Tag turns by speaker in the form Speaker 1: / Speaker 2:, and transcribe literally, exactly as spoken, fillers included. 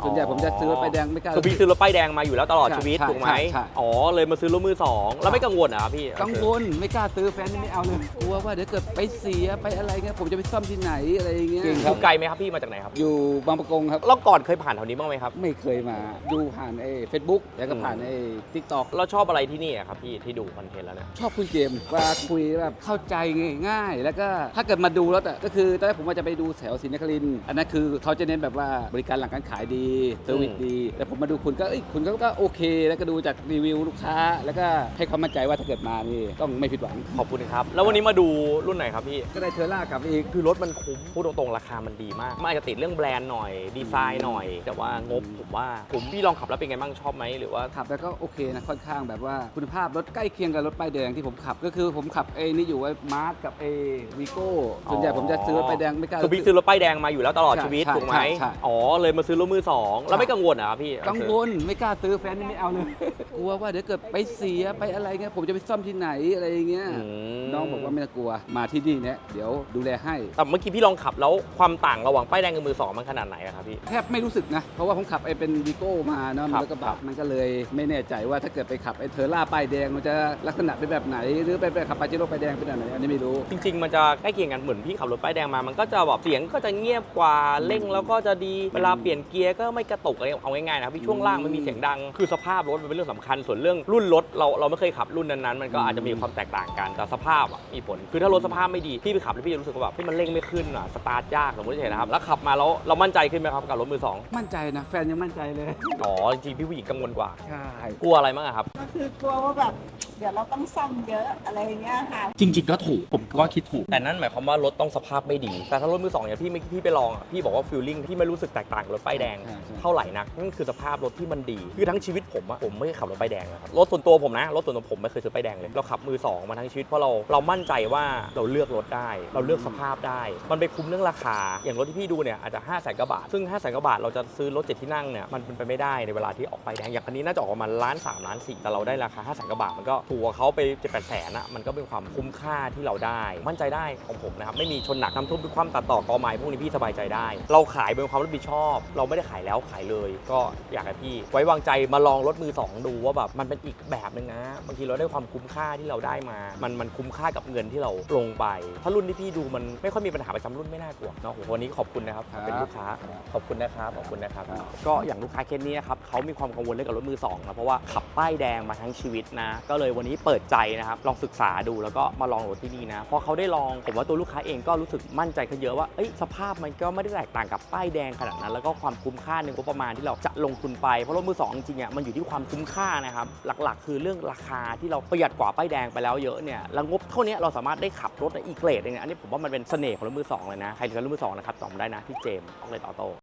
Speaker 1: ส่วนใหญ่ผมจะซื้อรถป้ายแดงไม่กล้า
Speaker 2: คือพี่ซื้อรถป้ายแดงมาอยู่แล้วตลอดชีวิต
Speaker 1: ใช่
Speaker 2: ถูกไหม
Speaker 1: ใช่ใช่
Speaker 2: อ๋อเลยมาซื้อรถมือสองแล้วไม่กังวลเหรอครับพี่
Speaker 1: กังวลไม่กล้าซื้อแฟนนี่ไม่เอาเลยกลัวว่าเดี๋ยวเกิดไปเสียไปอะไรเงี้ยผมจะไปซ่อมที่ไหนอะไรอย่างเงี้ย
Speaker 2: อยู่ไกลไหมครับพี่มาจากไหนครับ
Speaker 1: อยู่บางประกงครับ
Speaker 2: แล้วก่อนเคยผ่านแถวนี้บ้างไหมครับ
Speaker 1: ไม่เคยมาดูผ่านไอ้เฟซบุ๊กแล้วก็ผ่านไอ้ทิกตอก
Speaker 2: เราชอบอะไรที่นี่อะครับพี่ที่ดูคอนเทนต์แล้วเนี่ย
Speaker 1: ชอบคุยเกมเวลาคุยแบบเข้าใจง่ายๆ แล้วก็ถ้าเกิดมาดูรถอ่ะก็คือตอนแรกผมว่าจะไปดูแถวศรีนครินทร์อันนั้นคือเขาจะเน้นแบบว่าบริการหลังการขายดีเซอร์วิสดีแต่ผมมาดูคุณก็เอ้ยคุณก็ก็โอเค แล้วก็ดูจากรีวิวลูกค้า แล้วก็ให้ความมั่นใจว่าถ้าเกิดมานี่ต้องไม่ผิดหวัง
Speaker 2: ขอบคุณครับแล้ววันนี้มาดูรุ่นไหนครับพี่
Speaker 1: ก็ได้เทอร่ากลับอีก
Speaker 2: คือรถมันคุ้มพูดตรงๆราคามันดีมากมันอาจจะติดเรื่องแบรนด์หน่อยดีไซน์หน่อย แต่ว่างบผมว่าผมพี่ลองขับแล้วเป็นไงบ้างชอบไหมหรือว่า
Speaker 1: ขับแล้วก็โอเคนะค่อนข้างแบบว่าคุณภาพรถใกล้เคียงกับรถป้ายแดงที่ผมขับ ก็คือผมขับไอ้นี่อยู่ไอ้มาร์กกับไอ้วีโก้ส่วนใหญ่ผมจะซื้อรถป้ายแดงไม่กล้า
Speaker 2: คือพี่ซื้อรถป้ายแดงมาอยู่แล้วตลอดชีวิต
Speaker 1: ใช่
Speaker 2: ถูกไหม
Speaker 1: ใช่ใช่
Speaker 2: อ๋อเลยมาซื้อรถมือสองแล้วไม่กังวลเหรอครับพี่
Speaker 1: กังวลไม่กล้าซื้อแฟนนี่ไม่เอาเลย กลัวว่าเดี๋ยวเกิดไปเสียไปอะไรเงี้ยผมจะไปซ่อมที่ไหนอะไรอย่างเงี้ย
Speaker 2: อืม
Speaker 1: น้องบอกว่าไม่ต้องกลัวมาที่นี่เนี่ยเดี๋ยวดูแลให้
Speaker 2: แต่เมื่อกี้พี่ลองขับแล้วความต่างระหว่างป้ายแดงกับมือสองมันขนาดไหนอะครับพี่
Speaker 1: แทบไม่รู้สึกนะ เพราะว่าผมขับไอ้เป็นวีโก้มาเนาะ
Speaker 2: ครับ
Speaker 1: แล้วก็แบบมันก็เลยไม่แน่ใจว่าถ้าเกิดไปขับไอ้เทอร่าป้ายแดงมันจะลักษณะเป็นแบบไหน หรือไปไปขับปาเจโร่ป้ายแดงเป็นแบบไหนอันนี้ไม่รู้
Speaker 2: จริงๆ มันจะใกล้เคียงกันเหมือนพี่ขับรถป้ายแดงมามันก็จะแบบเสียงก็จะเงียบกว่าเร่งแล้วก็จะดีเวลาเปลี่ยนเกียร์ก็ไม่กระตุกอะไรเอาง่ายๆนะครับพี่ช่วงล่างมันมีเสียงดังคือสภาพรถมันเป็นเรื่องสำคัญส่วนเรื่องรุ่นรถเราเราไม่เคยขับรุ่นนั้นๆมันก็อาจจะมีความแตกต่างกันแต่สภาพอะมีผลคือถ้ารถสภาพไม่ดีพี่ไปขับแล้วพี่จะรู้สึกว่าแบบที่มันเร่งไม่ขึ้นอ่ะสตาร์ทยากสมมติเห็นนะครับแล้วขับมาแล้วเรามั่นใจขึ้นไหมครับกับรถมือสอง
Speaker 1: มั่นใจนะแฟนยังมั่นใจเลย
Speaker 2: อ๋อจริงๆพี่ผู้หญิงกังวลกว่า
Speaker 1: ใช่
Speaker 2: กลัวอะไรบ้างอะครับ
Speaker 3: ก็คือกลัวว่าแบบเดี๋ยวเราต้องซ่อมเยอะอะไรอย่างเงี้ยค่ะ
Speaker 4: จริงๆก็ถูกผมก็คิดถูก
Speaker 2: แต่นั่นหมายความว่ารถต้องสภาพไม่ดี แต่ถ้ารถมือสองเนี่ยพี่ไม่พี่ไปลองอ่ะพี่บอกว่าฟิลลิ่งที่ไม่รู้สึกแตกต่างกับรถป้ายแดงเท่าไหร่นักนั่นคือสภาพรถที่มันดีคือทั้งชีวิตผมอะผมไม่เคยขับรถป้ายแดงนะครับรถส่วนตัวผมนะรถส่วนตัวผมไม่เคยซื้อป้ายแดงเลยเราขับมือสองมาทั้งชีวิตเพราะเราเรามั่นใจว่าเราเลือกรถได้ เราเลือกสภาพได้ มันไปคุ้มเรื่องราคาอย่างรถที่พี่ดูเนี่ยอาจจะห้าแสนกว่าบาทซึ่งห้าแสนกว่าบาทเราจะซื้อรถเจ็ดที่นั่งเนี่ยมันเป็นไปไม่ได้ในเวลาที่ออกป้ายแดงอย่างคันนี้น่าจะออกประมาณล้านสามล้านสี่แต่เราได้ราคาห้าแสนกว่าบาทมันก็ถูกกว่าเขาไปเจ็ดแปดแสนอะมันก็เป็นความคุ้มค่าที่เราได้มั่นใจได้ของผมนะครับไม่มีชนหนักน้ำท่วมด้วยความตัดต่อกอไม้พวกนี้พี่สบายใจได้ เราขายเป็นความรับผิดชอบ เราไม่ได้ขายแล้วขายเลย ก็อยากให้พี่ไว้วางใจมาลองรถมือสองดูว่าแบบมันเป็นอีกแบบนึงนะบางทีเราได้ความคุ้มค่าที่เราได้มา มันมันคุ้มค่ากับเงินที่เราลงไป ถ้ารุ่นที่พี่ดูมันไม่ค่อยมีปัญหาประจำรุ่นไม่น่ากลัวเนาะโหวันนี้ขอบคุณนะครับเป็นลูกค้าขอบคุณนะครับขอบคุณนะครับก็อย่างลูกค้าเคสนี้ครับเขามีความกังวลเรื่องกับรถมือสองนะเพราะว่าขับป้ายแดงมาทั้งชีวิตนะก็เลยวันนี้เปิดใจนะครับลองศึกษาดูแล้วก็มาลองรถที่นี่นะพอเขาได้ลองผมว่าตัวลูกค้าเองก็รู้สึกมั่นใจขึ้นเยอะว่าเอ้ยสภาพมันก็ไม่ได้แตกต่างกับป้ายแดงขนาดนั้นแล้วก็ความคุ้มค่าในงบประมาณที่เราจะลงทุนไปเพราะรถมือสองจริงๆอ่ะมันอยู่ที่ความคุ้มค่านะครับหลักๆ คือเรื่องราคาที่เราประหยัดกว่าป้ายแดงไปแล้วเยอะเนี่ยแล้วงบเท่านี้เราสามารถได้ขับรถอีกเกรดนึงอันนี้ผมว่ามันเป็นเสน่ห์ของรถมือสองเลยนะใครจะซื้อรถมือสองนะครับตอบได้นะที่เจมส์ออกเลตออโต้